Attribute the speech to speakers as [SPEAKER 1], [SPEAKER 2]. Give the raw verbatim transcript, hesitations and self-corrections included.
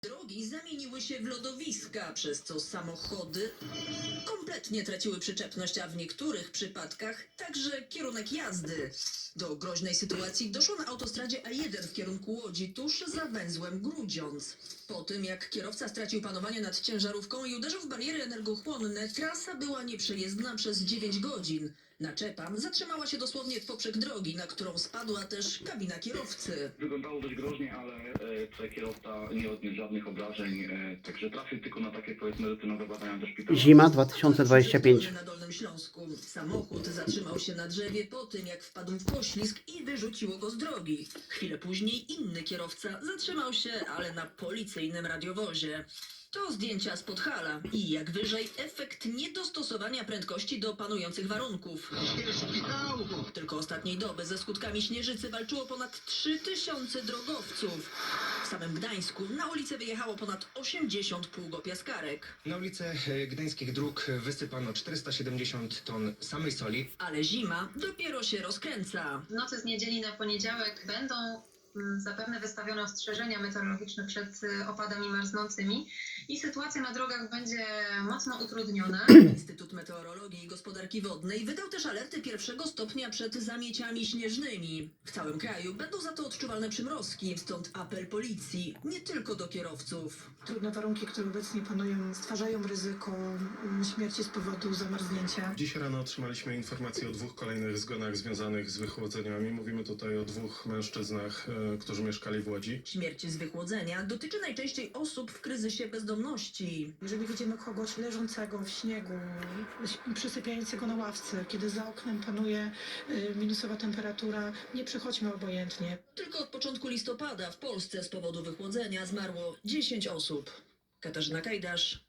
[SPEAKER 1] Drogi zamieniły się w lodowiska, przez co samochody kompletnie traciły przyczepność, a w niektórych przypadkach także kierunek jazdy. Do groźnej sytuacji doszło na autostradzie A jeden w kierunku Łodzi, tuż za węzłem Grudziądz. Po tym, jak kierowca stracił panowanie nad ciężarówką i uderzył w bariery energochłonne, trasa była nieprzejezdna przez dziewięć godzin. Naczepa zatrzymała się dosłownie w poprzek drogi, na którą spadła też kabina kierowcy.
[SPEAKER 2] Wyglądało dość groźnie, ale e, tutaj kierowca nie odniósł żadnych obrażeń, e, także trafił tylko na takie, powiedzmy, rutynowe badania do szpitala.
[SPEAKER 3] Zima dwa tysiące dwudziesty piąty.
[SPEAKER 1] Na Dolnym Śląsku. Samochód zatrzymał się na drzewie po tym, jak wpadł w poślizg i wyrzuciło go z drogi. Chwilę później inny kierowca zatrzymał się, ale na policyjnym radiowozie. To zdjęcia z Podhala i jak wyżej efekt niedostosowania prędkości do panujących warunków. Tylko ostatniej doby ze skutkami śnieżycy walczyło ponad trzy tysiące drogowców. W samym Gdańsku na ulicę wyjechało ponad osiemdziesiąt pługopiaskarek.
[SPEAKER 4] Na ulice e, gdańskich dróg wysypano czterysta siedemdziesiąt ton samej soli.
[SPEAKER 1] Ale zima dopiero się rozkręca.
[SPEAKER 5] W nocy z niedzieli na poniedziałek będą mm, zapewne wystawione ostrzeżenia meteorologiczne przed y, opadami marznącymi i sytuacja na drogach będzie mocno utrudniona.
[SPEAKER 1] Instytut Meteorologii i Gospodarki Wodnej wydał też alerty pierwszego stopnia przed zamieciami śnieżnymi. W całym kraju będą za to odczuwalne przymrozki, stąd apel policji, nie tylko do kierowców.
[SPEAKER 6] Trudne warunki, które obecnie panują, stwarzają ryzyko mm, śmierci z powodu zamarznięcia.
[SPEAKER 7] Dziś rano otrzymaliśmy informację o dwóch kolejnych zgonach związanych z wychłodzeniami. Mówimy tutaj o dwóch mężczyznach, e, którzy mieszkali w Łodzi.
[SPEAKER 1] Śmierć z wychłodzenia dotyczy najczęściej osób w kryzysie bezdomności.
[SPEAKER 6] Jeżeli widzimy kogoś leżącego w śniegu, przysypiającego na ławce, kiedy za oknem panuje y, minusowa temperatura, nie przechodźmy obojętnie.
[SPEAKER 1] Tylko od początku listopada w Polsce z powodu wychłodzenia zmarło dziesięć osób. Katarzyna Kajdasz,